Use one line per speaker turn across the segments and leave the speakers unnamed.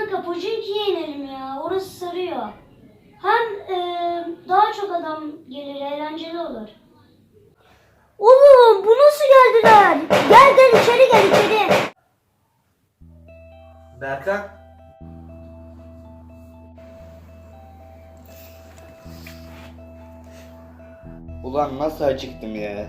kanka Pochinki'ye inelim ya. Orası sarıyor. Hem daha çok adam gelir, eğlenceli olur. Oğlum bu nasıl geldiler? Gel gel içeri gel içeri.
Berkan. Ulan nasıl acıktım ya.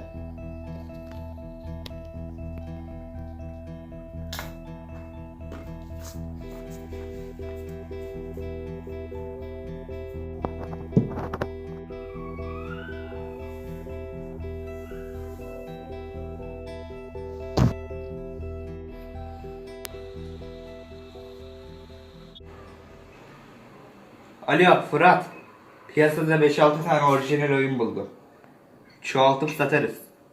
Alo Fırat. Piyasada 5-6 tane orijinal oyun buldum. Çoğaltıp satarız.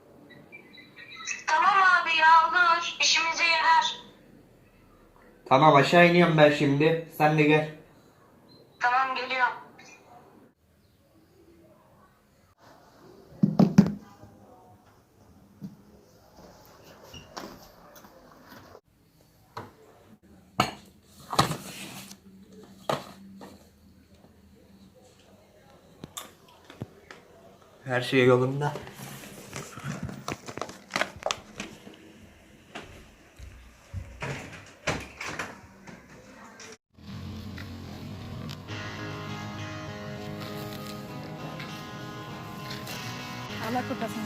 Tamam abi ya olur. İşimize yarar.
Tamam aşağı iniyorum ben şimdi. Sen de gel.
Tamam geliyorum.
Her şey yolunda.
Allah kurtarsın.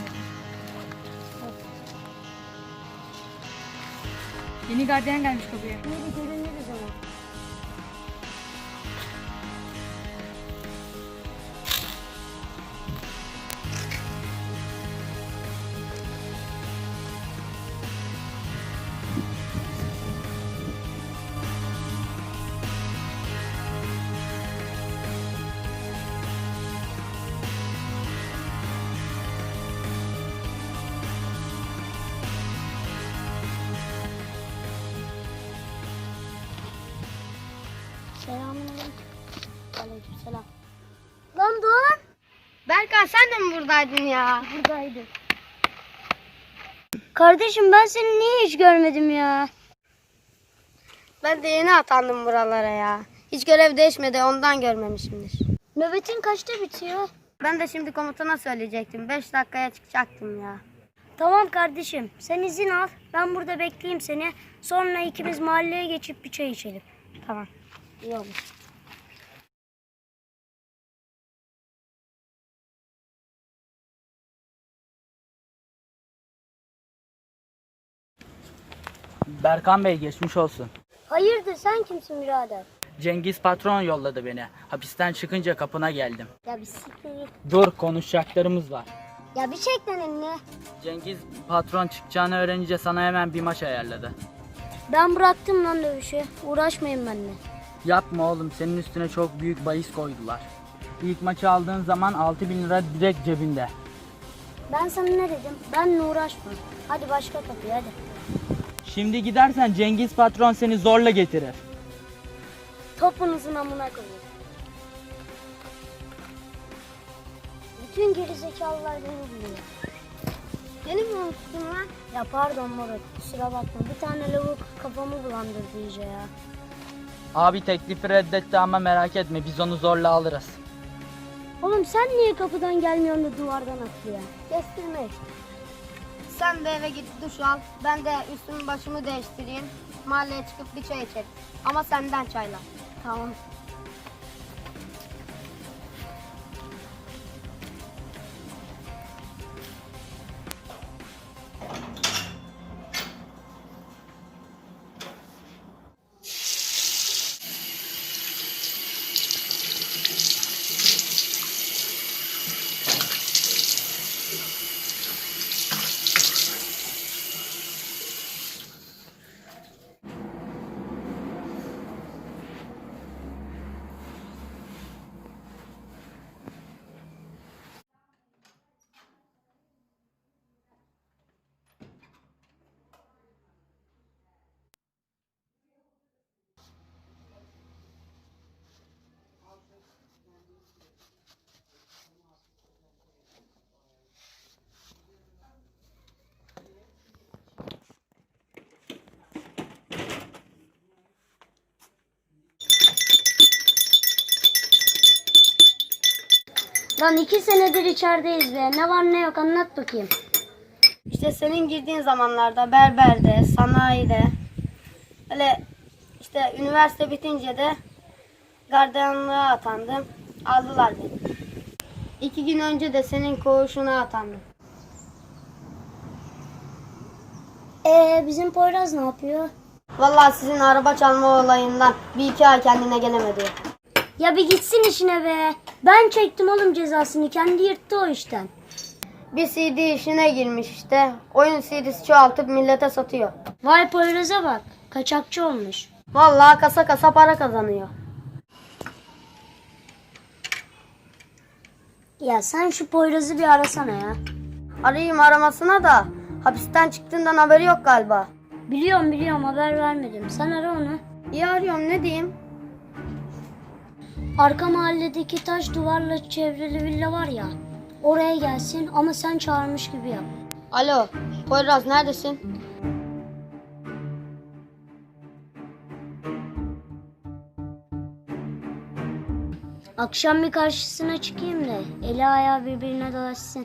Yeni gardiyan gelmiş kapıya.
Hadi görünürüz ama. Selamünaleyküm. Aleykümselam. Lan Doğan.
Berkan sen de mi buradaydın ya?
Buradaydı. Kardeşim ben seni niye hiç görmedim ya?
Ben de yeni atandım buralara ya. Hiç görev değişmedi ondan görmemişimdir.
Nöbetin kaçta bitiyor?
Ben de şimdi komutana söyleyecektim. 5 dakikaya çıkacaktım ya.
Tamam kardeşim sen izin al. Ben burada bekleyeyim seni. Sonra ikimiz mahalleye geçip bir çay içelim.
Tamam.
İyi olur.
Berkan Bey geçmiş olsun.
Hayırdır sen kimsin birader?
Cengiz patron yolladı beni. Hapisten çıkınca kapına geldim.
Ya bir siktir git.
Dur konuşacaklarımız var.
Ya bir çek lan elini.
Cengiz patron çıkacağını öğrenince sana hemen bir maç ayarladı.
Ben bıraktım lan dövüşü. Uğraşmayın benimle.
Yapma oğlum senin üstüne çok büyük bahis koydular. İlk maçı aldığın zaman 6.000 lira direkt cebinde.
Ben sana ne dedim? Benimle uğraşma. Hadi başka kapıya hadi.
Şimdi gidersen Cengiz patron seni zorla getirir.
Topunuzun amına koyun. Bütün gerizekalılar beni buluyor.
Beni mi unuttun lan?
Ya pardon moruk kusura bakma. Bir tane lavuk kafamı bulandırdı iyice ya.
Abi teklifi reddetti ama merak etme biz onu zorla alırız.
Oğlum sen niye kapıdan gelmiyorsun da duvardan atlıyor? Kestirme işte.
Sen de eve git duş al. Ben de üstümü başımı değiştireyim. Mahalleye çıkıp bir çay içelim. Ama senden çayla.
Tamam. Lan 2 senedir içerideyiz be. Ne var ne yok anlat bakayım.
İşte senin girdiğin zamanlarda berberde, sanayide, öyle işte üniversite bitince de gardiyanlığa atandım. Aldılar beni. 2 gün önce de senin koğuşuna atandım.
Bizim Poyraz ne yapıyor?
Vallahi sizin araba çalma olayından 1-2 ay kendine gelemedi.
Ya bir gitsin işine be. Ben çektim oğlum cezasını. Kendi yırttı o işten.
Bir CD işine girmiş işte. Oyun CD'si çoğaltıp millete satıyor.
Vay Poyraz'a bak. Kaçakçı olmuş.
Vallahi kasa kasa para kazanıyor.
Ya sen şu Poyraz'ı bir arasana ya.
Arayayım aramasına da hapisten çıktığından haberi yok galiba.
Biliyorum haber vermedim. Sen ara onu.
İyi arıyorum, ne diyeyim?
Arka mahalledeki taş duvarla çevrili villa var ya. Oraya gelsin ama sen çağırmış gibi yap.
Alo, Poyraz neredesin?
Akşam bir karşısına çıkayım da eli ayağı birbirine dolaşsın.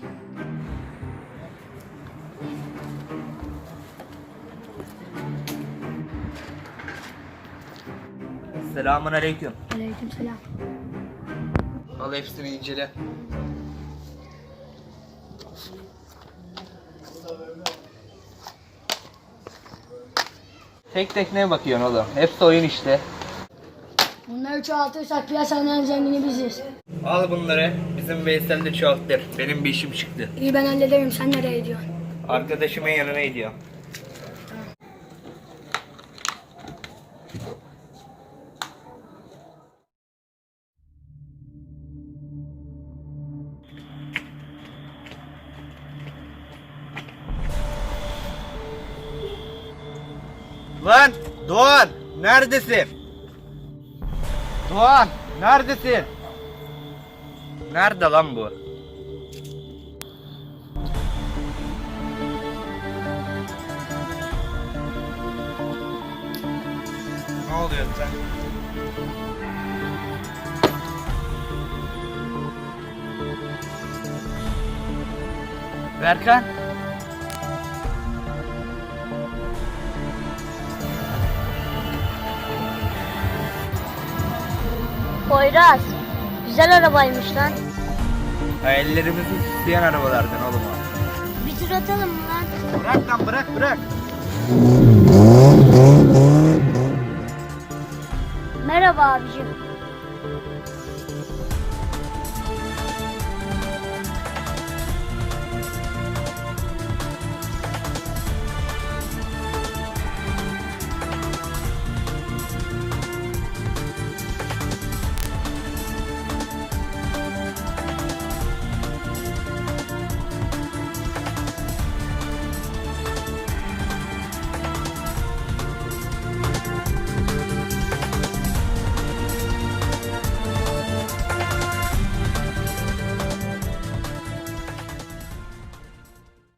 Selamun aleyküm.
Aleykümselam.
Al hepsini incele. Tek tek ne bakıyorsun oğlum? Hepsi oyun işte.
Bunları çoğaltırsak piyasanın en zengini biziz.
Al bunları. Bizim Veysel de çoğaltır. Benim bir işim çıktı.
İyi ben hallederim. Sen nereye gidiyorsun?
Arkadaşımın yanına gidiyor. Lan Doğan neredesin? Doğan neredesin? Nerede lan bu? Ne oluyor sen? Berkan.
Poyraz. Güzel arabaymış lan.
Hayallerimizi süsleyen arabalardan oğlum o.
Bir tur atalım mı lan?
Bırak lan bırak.
Merhaba abicim.